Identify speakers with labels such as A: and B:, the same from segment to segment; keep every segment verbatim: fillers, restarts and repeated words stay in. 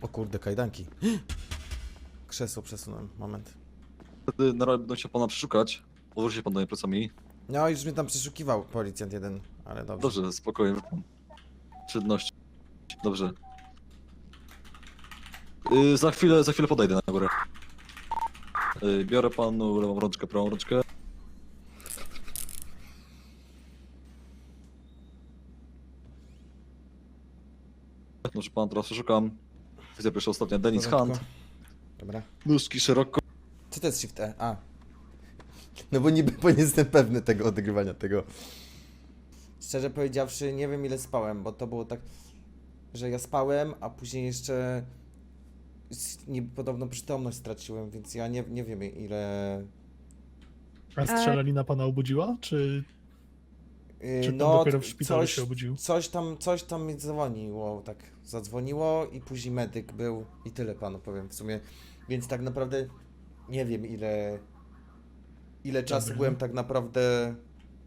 A: O kurde, kajdanki. Krzesło przesunąłem, moment.
B: Wtedy na razie będą się pana przeszukać. Odwróci się pan do mnie plecami.
A: No już mnie tam przeszukiwał policjant jeden, ale dobrze.
B: Dobrze, spokojnie. Czynności. Dobrze. Yy, za chwilę, za chwilę podejdę na górę. Yy, biorę panu lewą rączkę, prawą rączkę. Dobrze, pan teraz przeszukam. Widzę pierwsza ostatnia, Dennis Hunt.
A: Dobra.
B: Nóżki szeroko.
A: Co to jest Shift E? A. No bo nie, bo nie jestem pewny tego odgrywania tego. Szczerze powiedziawszy, nie wiem ile spałem, bo to było tak, że ja spałem, a później jeszcze s- nie, podobno przytomność straciłem, więc ja nie, nie wiem ile...
C: A strzelanina pana obudziła? Czy,
A: Yy,
C: czy pan
A: no,
C: dopiero w szpitalu
A: coś,
C: się obudził?
A: coś tam, coś tam mi dzwoniło, tak zadzwoniło i później medyk był i tyle panu powiem w sumie. Więc tak naprawdę nie wiem ile, ile czasu
C: Dobra.
A: byłem tak naprawdę...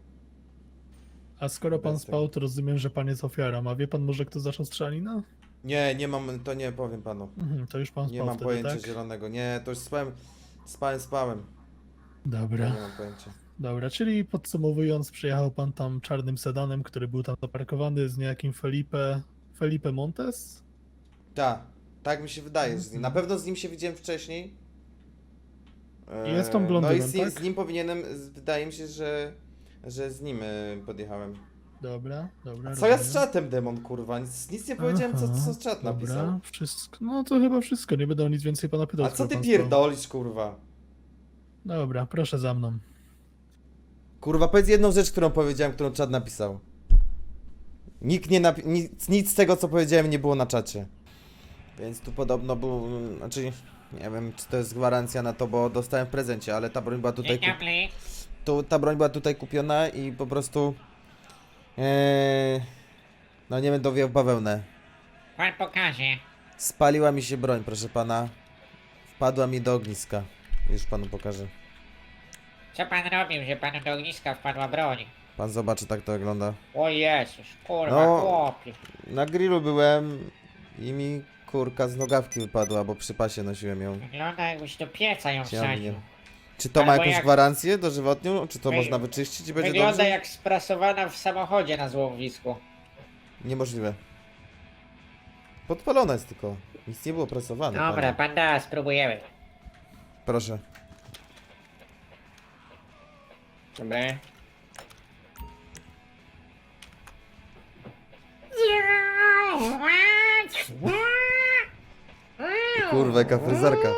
C: A skoro pan
A: Bez
C: spał, to rozumiem, że pan jest ofiarą. A wie pan może, kto zaczął strzelanina?
A: Nie, nie mam, to nie powiem panu.
C: Mhm, to już pan
A: Nie
C: spał
A: mam
C: wtedy,
A: pojęcia
C: tak?
A: zielonego. Nie, to już spałem, spałem, spałem.
C: Dobra,
A: Nie mam pojęcia.
C: dobra, czyli podsumowując, przyjechał pan tam czarnym sedanem, który był tam zaparkowany z niejakim Felipe... Felipe Montes?
A: Tak, tak mi się wydaje, że z nim. Na pewno z nim się widziałem wcześniej. Eee,
C: Jest tą
A: No i
C: blondynem,
A: z, nim-
C: tak?
A: z nim powinienem, z- wydaje mi się, że, że z nim e, podjechałem.
C: Dobra, dobra.
A: A co ja z
C: rozumiem.
A: czatem, demon, kurwa? Nic, nic nie powiedziałem, co,
C: Aha,
A: co czat napisał.
C: Dobra, wszystko. No to chyba wszystko, nie będę o nic więcej pana pytał.
A: A co
C: skoro
A: ty
C: pan spał.
A: pierdolisz, kurwa?
C: Dobra, proszę za mną.
A: Kurwa, powiedz jedną rzecz, którą powiedziałem, którą czat napisał. Nikt nie napi- nic, nic z tego, co powiedziałem, nie było na czacie. Więc tu podobno był, znaczy, nie wiem, czy to jest gwarancja na to, bo dostałem w prezencie, ale ta broń była tutaj,
D: Dzień
A: kup-
D: dobry.
A: tu, ta broń była tutaj kupiona i po prostu, ee, no nie będę owijał w bawełnę.
D: Pan pokaże.
A: Spaliła mi się broń, proszę pana. Wpadła mi do ogniska. Już panu pokażę.
D: Co pan robił, że panu do ogniska wpadła broń?
A: Pan zobaczy, tak to wygląda.
D: O Jezus, kurwa,
A: No.
D: chłopie.
A: Na grillu byłem i mi kurka z nogawki wypadła, bo przy pasie nosiłem ją.
D: Wygląda jakbyś do pieca ją
A: Ciągnie.
D: wsadził.
A: Czy to ma
D: Albo
A: jakąś
D: jak-
A: gwarancję dożywotnią? Czy to
D: Wy-
A: można wyczyścić i będzie
D: Wygląda
A: dobrze?
D: jak sprasowana w samochodzie na złowisku.
A: Niemożliwe. Podpalona jest tylko. Nic nie było prasowane.
D: Dobra,
A: panie.
D: pan da, spróbujemy.
A: Proszę.
D: Dobra.
A: Kurwa, jaka fryzarka.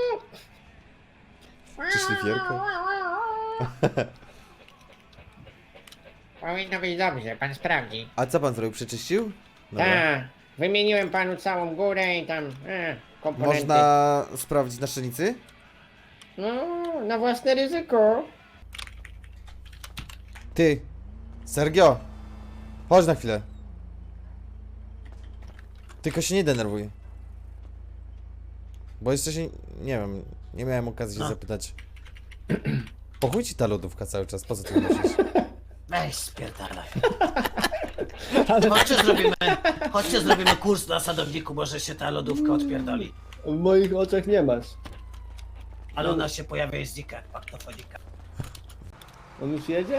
A: Czy szlifierka?
D: Powinno być dobrze, pan sprawdzi.
A: A co pan zrobił? Przeczyścił? Dobra.
D: Tak, wymieniłem panu całą górę i tam e, komponenty.
A: Można sprawdzić na szczelnicy?
D: No, na własne ryzyko.
A: Ty! Sergio! Chodź na chwilę. Tylko się nie denerwuj. Bo jeszcze się... nie wiem, nie miałem okazji się
E: No.
A: zapytać. Po chuj ci ta lodówka cały czas, po co ty nosisz?
E: Weź spierdalaj. Chodźcie zrobimy, chodźcie zrobimy kurs na sadowniku, może się ta lodówka odpierdoli.
F: W moich oczach nie masz.
E: Ale ona się pojawia i znika, paktofonika.
F: On już jedzie?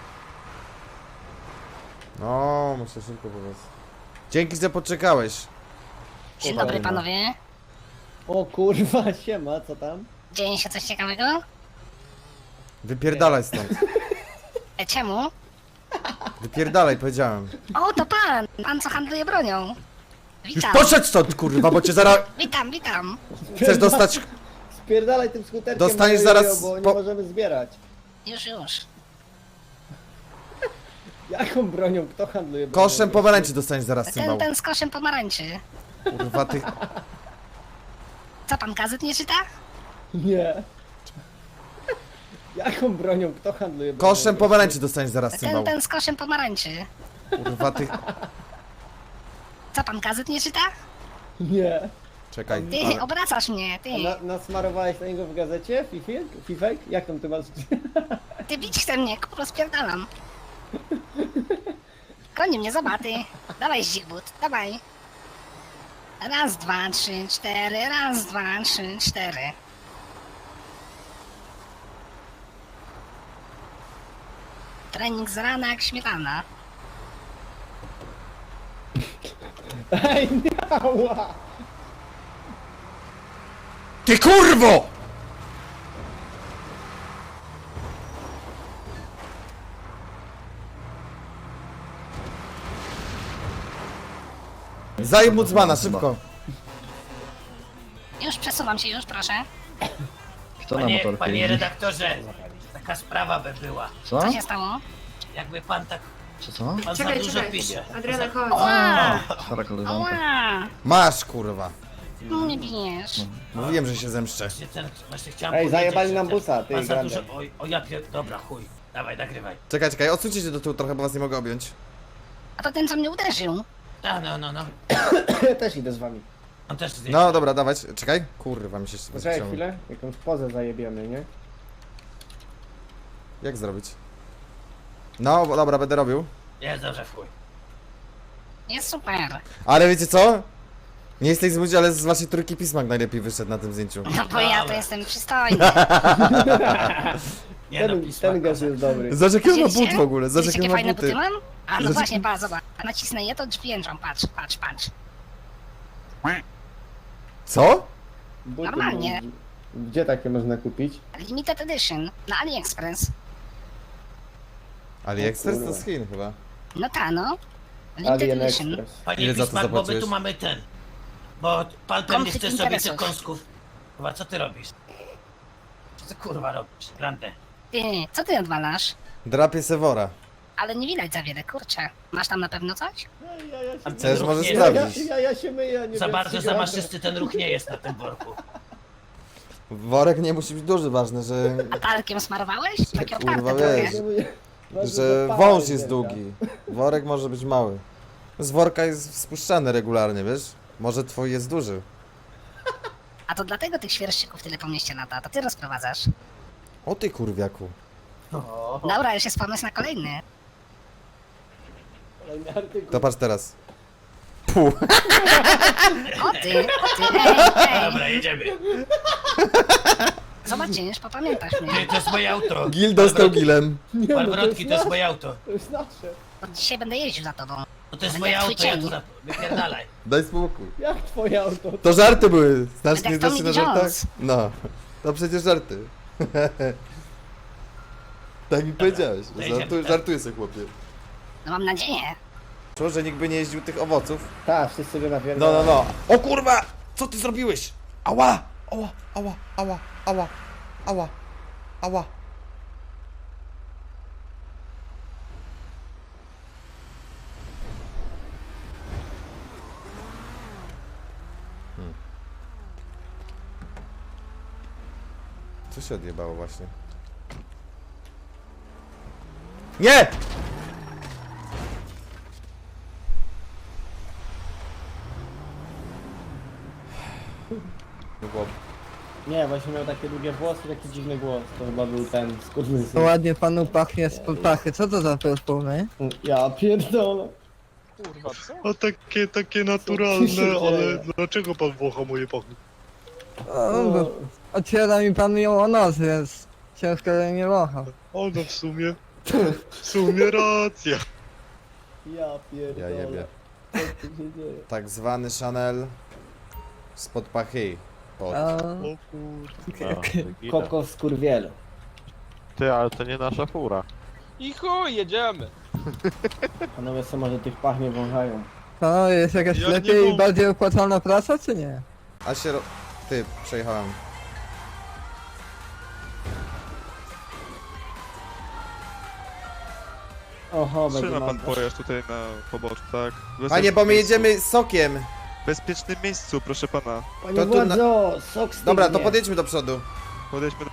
A: No, muszę szybko powiedzieć. Dzięki, że poczekałeś.
G: Dzień dobry panowie.
F: O kurwa, siema, co tam?
G: Dzieje się coś ciekawego?
A: Wypierdalaj stąd.
G: E, czemu?
A: Wypierdalaj, powiedziałem.
G: O, to pan! Pan co handluje bronią.
A: Już
G: Witam,
A: poszedł stąd, kurwa, bo cię zaraz...
G: witam, witam.
A: Chcesz dostać...
F: Spierdalaj tym skuterkiem,
A: Dostaniesz
F: na jojo,
A: zaraz
F: bo nie
A: po-
F: możemy zbierać.
G: Już, już.
F: Jaką bronią? Kto handluje bronią?
A: Koszem pomarańczy dostaniesz zaraz,
G: Ten,
A: cymbał.
G: ten z koszem pomarańczy.
A: Kurwa, ty...
G: Co pan gazet nie czyta?
F: Nie. Jaką bronią? Kto handluje bronią?
A: Koszem pomarańczy dostaniesz zaraz,
G: Ten,
A: cymbał.
G: ten z koszem pomarańczy.
A: Kurwa, ty...
G: Co pan gazet nie czyta?
F: Nie.
A: Czekaj.
G: Ty,
A: ale-
G: obracasz mnie, ty.
F: A na, nasmarowałeś na niego w gazecie? Fifek? Fifek? Jak tam ty masz?
G: Ty bić chce mnie, kurwa spierdalam. Goni mnie, zobaczy. Dawaj, Zigmund, dawaj. Raz, dwa, trzy, cztery, raz, dwa, trzy, cztery. Trening z rana jak śmietana.
F: Ej, miała!
A: Ty kurwo! Zajeb Mucmana, szybko.
G: Już przesuwam się, już proszę.
B: Kto na
E: Panie,
B: motorku
E: panie
B: jeździ?
E: redaktorze, taka sprawa by była.
B: Co?
G: Co się stało?
E: Jakby pan tak,
B: Co, co?
E: pan
H: Czekaj,
E: za dużo
H: czekaj.
E: pisze.
H: Adriana, chodź.
G: Ła!
B: Stara koleżanka.
G: Ła!
A: Masz kurwa.
G: Nie bijesz.
A: Mówiłem, że się zemszczę.
E: Właśnie, ten, właśnie chciałem
F: Ej,
E: powiedzieć,
F: zajebali
E: że
F: nam
E: ten-
F: busa, ty,
E: pan za
F: grande.
E: dużo, oj, o ja pier... Dobra, chuj. Dawaj, nagrywaj.
A: Czekaj, czekaj, odsuńcie się do tyłu trochę, bo was nie mogę objąć.
G: A to ten, co mnie uderzył.
E: A, no, no, no.
F: Ja też idę z wami.
E: On też zdjęcie.
A: No dobra, dawać. Czekaj. Kurwa, mi się
F: Poczekaj
A: ściągnął.
F: chwilę, jakąś pozę zajebiemy, nie?
A: Jak zrobić? No, bo dobra, będę robił.
E: Jest dobrze, w chuj.
G: Jest super.
A: Ale wiecie co? Nie jesteś złudzi, ale z waszej trójki pismak najlepiej wyszedł na tym zdjęciu.
G: No bo ja to
E: Dobra.
G: jestem przystojny.
E: Nie no,
F: Ten,
E: pisma.
F: ten gaz jest dobry.
A: Zobacz jakie on ma
G: Widzieliście?
A: but w ogóle, zobacz
G: Widzicie,
A: jakie
G: jakie
A: ma
G: fajne buty
A: buty.
G: mam? A no
A: Zobacz-
G: właśnie, pa, zobacz. Nacisnę je, to drzwi jęczą. Patrz, patrz, patrz.
A: Co?
F: Buty
G: Normalnie.
F: mam. Gdzie takie można kupić?
G: Limited Edition na AliExpress.
A: AliExpress to
F: kurwa.
A: z Chin chyba.
G: No ta, no. Limited
F: Alien
G: Edition.
F: Express.
E: Panie
A: Ile za to
E: Pismak, bo my
A: zapłaciłeś?
E: tu mamy ten. Bo pan pewnie
G: Konflikt
E: chce sobie tych
G: interesów.
E: kąsków. Chyba, co ty robisz? Co ty kurwa robisz? Grande.
G: Ty, co ty odwalasz?
A: Drapie Sewora.
G: Ale nie widać za wiele, kurczę. Masz tam na pewno coś?
F: Ja, ja, się...
A: Też
E: ruch
A: może
E: nie-
F: ja, ja,
A: sprawdzić.
F: ja, ja się myję, nie
E: Za
F: wiem,
E: bardzo
F: czy
E: za
F: gra-
E: maszysty ten ruch nie jest na tym worku.
A: Worek nie musi być duży, ważne, że,
G: Talkiem smarowałeś? Takie
A: Kurwa,
G: otwarte
A: wiesz.
G: trochę.
F: Nie myję. Ważne,
A: że
F: pała
A: wąż
F: jest
A: jest
F: wielka.
A: długi. Worek może być mały. Z worka jest spuszczany regularnie, wiesz? Może twój jest duży.
G: A to dlatego tych świerszczyków tyle po mieście lata. To ty rozprowadzasz.
A: O ty kurwiaku.
G: Dobra, już jest pomysł na kolejny.
F: Kolejny artykuł.
A: To patrz teraz. Puh.
G: O ty, o ty, ej, ej.
E: Dobra, jedziemy.
G: Zobaczysz, popamiętasz
E: Ty,
G: mnie.
E: to jest moje auto.
A: Gil dostał gilem.
F: Nie, no,
E: Pan
F: to jest
E: Wrotki, to jest
F: nasze.
E: moje auto.
F: To jest nasze.
G: Od dzisiaj będę jeździł za tobą.
E: No to jest
G: Będę
E: moje
G: jak twój
E: auto, ja
G: cień.
E: tu za... Wypierdalaj.
A: Daj spokój.
F: Jak twoje auto?
A: To żarty były. Znasz,
G: Tak
A: nie
G: jak
A: znasz się
G: Tommy
A: na żartach?
G: Jones.
A: No. To przecież żarty. Tak mi powiedziałeś.
E: to jedziemy,
A: Żartuję,
E: tak.
A: żartuję sobie, chłopie.
G: No mam nadzieję.
A: Czuł, że nikt by nie jeździł tych owoców.
F: Tak, wszyscy by
A: No,
F: napierdalają.
A: no, no. O kurwa! Co ty zrobiłeś? Ała! Ała, ała, ała, ała, ała, ała. Hmm. Co się odjebało właśnie? Nie! Chłop.
F: Nie, właśnie miał takie długie włosy, taki dziwny głos. To chyba był ten skórny
I: To ładnie panu pachnie z pachy. Co to za perfumy?
F: Ja pierdolę.
J: A takie, takie
F: Co
J: naturalne,
F: tu się
J: ale
F: dzieje?
J: dlaczego pan wącha moje pachny?
I: O, bo otwiera mi pan ją o nos, więc ciężko że nie wąchał.
J: O, no w sumie, w sumie racja.
F: Ja pierdolę.
A: Ja jebie.
F: Co tu się dzieje?
A: Tak zwany Chanel spod pachy. Pod.
I: A,
J: O kurwa.
F: Koko skurwielu.
J: Ty, ale to nie nasza fura.
K: I chuj, jedziemy!
F: Panowie co może tych pach nie wąchają.
I: to jest jakaś
J: Ja nie
I: lepiej i
J: wąch-
I: bardziej opłacalna praca, czy nie?
A: A się ro... Ty, przejechałem.
F: Oho, będzie
J: Trzyma pan
F: mam...
J: pojazd tutaj na poboczu, tak? W
A: Panie, bo my
J: miejscu.
A: jedziemy sokiem.
J: W bezpiecznym miejscu, proszę pana.
F: Panie
A: to tu na-
F: władzo, sok stygnie.
A: Dobra, to podjedźmy do przodu.
J: Podejdźmy do...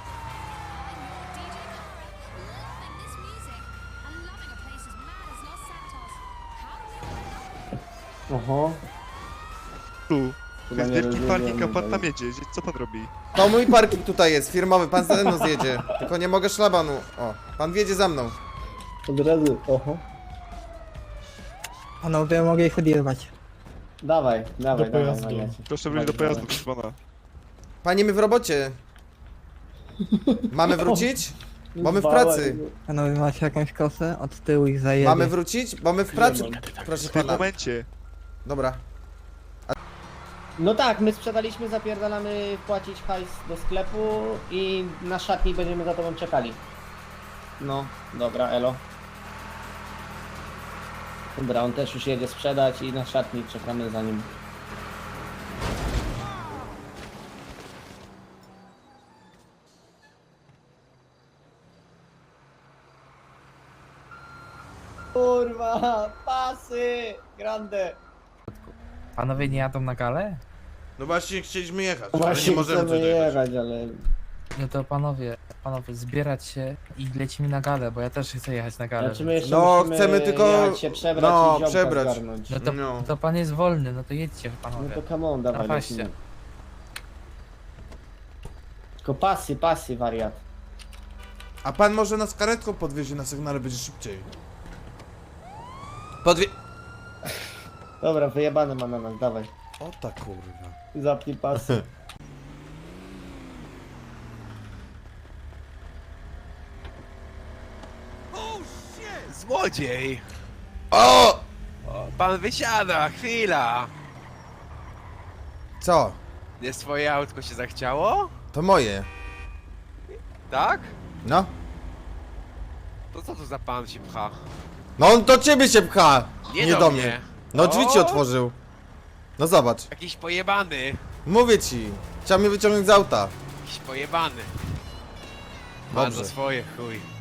F: Oho.
J: tu. To
F: Chyba
J: jest
F: nie
J: wielki
F: rozumiem,
J: parking, a pan
F: ale-
J: tam jedzie. Co pan robi?
A: To mój parking tutaj jest, firmowy, pan ze mną zjedzie. Tylko nie mogę szlabanu. O, pan wjedzie za mną.
F: Od razu, oho.
I: Panowie mogę ich odjechać.
F: Dawaj, dawaj,
C: Do
F: dawaj,
C: pojazdu.
F: wariacie.
J: Proszę wrócić do pojazdu, proszę pana.
A: Panie, my w robocie. Mamy wrócić? Bo my w
F: Bałem.
A: pracy.
I: Panowie, macie jakąś kosę? Od tyłu ich zajebie.
A: Mamy wrócić? Bo my w pracy.
F: mam.
A: Proszę
J: W tym
A: pana.
J: momencie.
A: Dobra.
F: No tak, my sprzedaliśmy, zapierdalamy płacić hajs do sklepu i na szatni będziemy za tobą czekali. No, dobra, elo. Dobra, on też już jedzie sprzedać i na szatni czekamy za nim. Kurwa, pasy! Grande!
E: Panowie nie jadą na galę?
A: No właśnie chcieliśmy jechać,
F: Właśnie chcemy jechać, ale...
E: No to panowie, panowie, zbierać się i lecimy na galę, bo ja też chcę jechać na galę.
F: Znaczy my jeszcze
A: No,
F: musimy
A: chcemy tylko-
F: jechać się przebrać
A: no,
F: i ziomka
A: przebrać.
F: zgarnąć.
E: No to,
A: No.
E: to pan jest wolny, no to jedźcie
F: No
E: panowie.
F: to come on, dawaj.
E: Na paście.
F: lecimy. Tylko pasy, pasy, wariat.
A: A pan może nas karetką podwiezie na sygnale, będzie szybciej. Podwie...
F: Dobra, wyjebane ma na nas, dawaj.
A: O ta kurwa.
F: Zapnij pasy.
K: Złodziej!
A: O!
K: O, pan wysiada, chwila!
A: Co?
K: Nie swoje autko się zachciało?
A: To moje.
K: Tak?
A: No.
K: To co tu za pan się pcha?
A: No on do ciebie się pcha!
K: Nie,
A: Nie
K: do,
A: do
K: mnie.
A: mnie. No drzwi ci
K: O!
A: otworzył. No zobacz.
K: Jakiś pojebany!
A: Mówię ci. Chciał mnie wyciągnąć z auta.
K: Jakiś pojebany! Pan
A: Dobrze.
K: za swoje, chuj.